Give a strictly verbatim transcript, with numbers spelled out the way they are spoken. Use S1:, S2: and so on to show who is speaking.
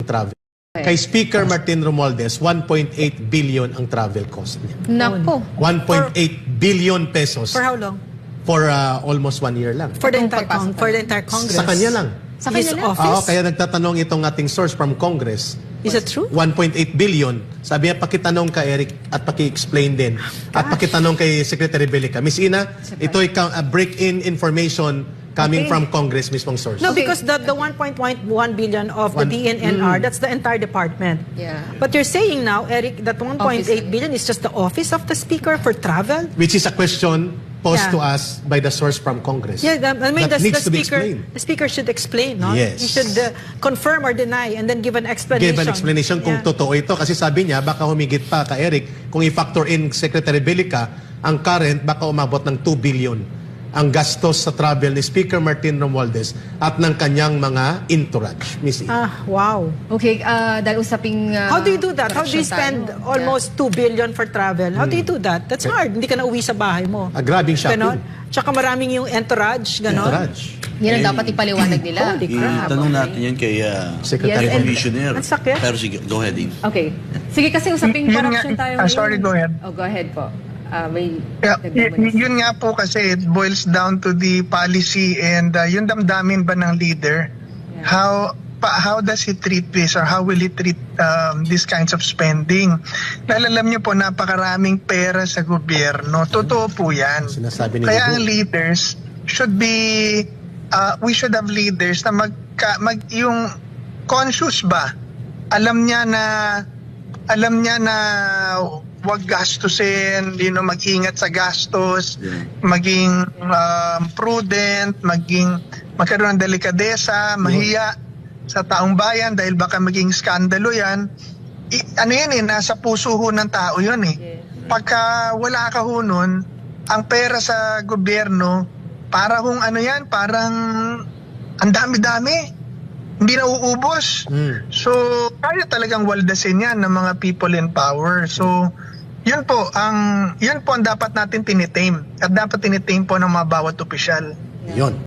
S1: travel. Kay Speaker Martin Romualdez, one point eight billion ang travel cost niya.
S2: Nako.
S1: one point eight billion pesos
S3: For how long?
S1: for uh, almost one year lang.
S3: For the
S2: Itong
S3: entire, con-
S2: pagpasok
S3: for the entire Congress.
S1: Sa kanya lang.
S2: Sa
S3: His
S2: kanya lang?
S3: office?
S1: Oo, kaya nagtatanong itong ating source from Congress.
S3: Is it true?
S1: one point eight billion. Sabi niya, pakitanong ka Eric at paki-explain din. At pakitanong kay Secretary Belica. Miss Ina, ito'y ka- uh, break-in information coming
S2: Okay.
S1: from Congress mismong source.
S3: No,
S2: Okay.
S3: because the, the one point one billion of the
S1: One-
S3: D N N R, that's the entire department.
S2: Yeah.
S3: But you're saying now, Eric, that one point eight billion is just the office of the speaker for travel?
S1: Which is a question posed
S3: Yeah.
S1: to us by the source from Congress.
S3: Yeah, the, I mean,
S1: That
S3: the,
S1: needs
S3: the
S1: to be
S3: speaker,
S1: explained.
S3: the speaker should explain, no?
S1: Yes.
S3: He should uh, confirm or deny and then give an explanation.
S1: Give an explanation kung
S3: Yeah.
S1: totoo ito. Kasi sabi niya, baka humigit pa ka Eric, kung i-factor in Secretary Belica, ang current baka umabot ng two billion ang gastos sa travel ni Speaker Martin Romualdez at ng kanyang mga entourage. Miss Ina.
S3: Ah, wow.
S2: Okay, uh, dahil usaping... uh,
S3: How do you do that? How do you
S2: corruption
S3: spend
S2: tayo?
S3: almost two billion for travel? How do you do that? That's hard. Hindi ka na uwi sa bahay mo.
S1: A grabbing shopping.
S3: Ganon. Tsaka maraming yung entourage, ganon.
S1: Entourage.
S2: Yeah. Yan ang dapat ipaliwanag nila.
S3: Holy crap.
S4: Itanong natin yan kay uh,
S1: Secretary
S2: Yes, and-
S4: Commissioner.
S3: Ang sakit.
S4: Pero sige, go ahead, Dean.
S2: Okay. Sige, kasi usaping
S5: Y- yun
S2: corruption
S5: nga-
S2: tayo
S5: ah, sorry, go ahead.
S2: Oh, go ahead po. Ah, may...
S5: Yeah,
S2: dagdag mo
S5: y-
S2: na.
S5: yun nga po kasi it boils down to the policy and uh, yung damdamin ba ng leader.
S2: Yeah.
S5: How pa, how does he treat this or how will he treat um, these kinds of spending? Dahil alam niyo po, napakaraming pera sa gobyerno. Totoo po yan.
S1: Sinasabi ni
S5: Kaya ang
S1: Gugu.
S5: leaders should be, uh, we should have leaders na mag, mag yung conscious ba? Alam niya na, alam niya na wag gastusin, you know, mag-ingat sa gastos,
S4: Yeah.
S5: maging um, prudent, maging magkaroon ng delikadesa, mahiya sa taong bayan dahil baka maging skandalo yan. I, ano yan eh, nasa puso ho ng tao yun eh.
S2: Yeah.
S5: Pagka wala ka ho nun, ang pera sa gobyerno, para hong ano yan, parang ang dami-dami. Hindi na uubos.
S1: Mm.
S5: So, kaya talagang waldasin yan ng mga people in power. So, yun po ang yun po ang dapat natin tinitame at dapat tinitame po ng mga bawat opisyal.
S1: Yun.